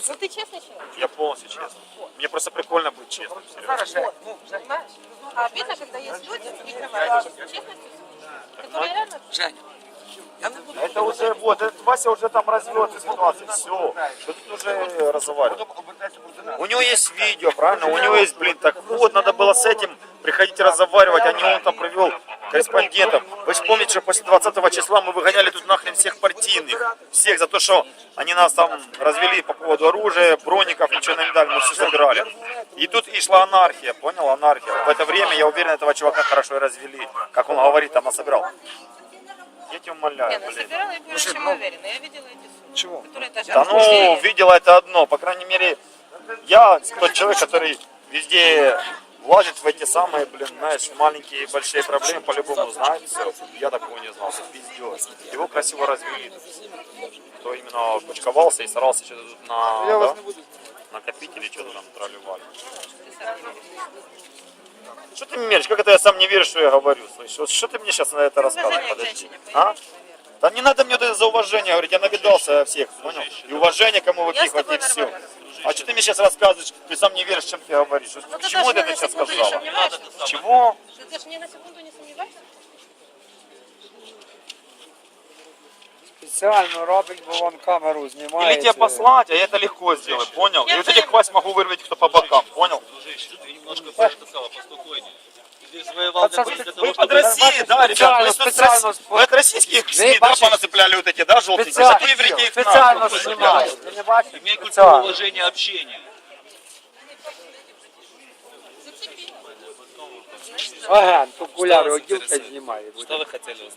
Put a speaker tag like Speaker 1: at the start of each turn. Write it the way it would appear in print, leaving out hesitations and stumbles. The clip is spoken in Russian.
Speaker 1: Ну ты честный человек?
Speaker 2: Я полностью честный. Мне просто прикольно быть честным, серьезно.
Speaker 1: Понимаешь? А обидно, когда есть люди, прикрываются честностью, которые реально...
Speaker 3: Женя, я не буду.
Speaker 2: Это уже, вот, этот Вася уже там развел эту ситуацию, все. Что тут уже разговаривать? У него есть видео, правильно? У него есть, блин, так вот, надо было с этим приходить разговаривать, а не он там привел корреспондентов. Вы же помните, что после 20 числа мы выгоняли тут нахрен всех партийных. Всех за то, что они нас там развели по поводу оружия, броников, ничего нам не дали, мы все забирали. И тут и шла анархия, понял, анархия. В это время, я уверен, этого чувака хорошо и развели. Как он говорит, там насобирал. Я тебя умоляю,
Speaker 1: Я
Speaker 2: блин.
Speaker 1: собирала и более чем уверена. Я видела эти суммы.
Speaker 3: Чего?
Speaker 1: Которые даже...
Speaker 2: Да ну, видела это одно. По крайней мере, я тот человек, который везде влазит в эти самые, блин, знаешь, маленькие и большие проблемы, по-любому знает все. Я такого не знал, это пиздец. Его красиво развели. Кто именно кучковался и старался что-то тут на накопители, что-то там тролливали. Что ты мне веришь? Как это я сам не верю, что я говорю? Слышь, вот что ты мне сейчас на это рассказываешь? Подожди. А? Да не надо мне вот это за уважение говорить, я навидался всех, понял? И уважение кому выпихивать, и все. А что ты мне сейчас рассказываешь? Ты сам не веришь, чем ты говоришь?
Speaker 1: Ну,
Speaker 2: К чему ты это сейчас сказала?
Speaker 1: сомневаешься?
Speaker 2: Чего?
Speaker 1: Ты даже ни на секунду не сомневаешься?
Speaker 3: Спеціально робить, бо вон камеру знімає.
Speaker 2: Или тебя послать, а я это легко сделаю, понял? И вот этих хвост могу вырвать кто по бокам, понял?
Speaker 4: Ты немножко поспокойнее. Ты завоевал для того,
Speaker 2: Вы под Россией, да, ребят, вы
Speaker 3: специально,
Speaker 2: вы от российских СМИ, да, понацепляли вот эти, да, желтенькие, зато евреи их
Speaker 3: спеціально
Speaker 2: нахуй.
Speaker 3: знімає. Ти не бачиш?
Speaker 4: имей культуру
Speaker 3: Спеціально.
Speaker 4: уважения общения.
Speaker 3: Агент, окуляри одів та знімає.
Speaker 4: Что вы хотели узнать?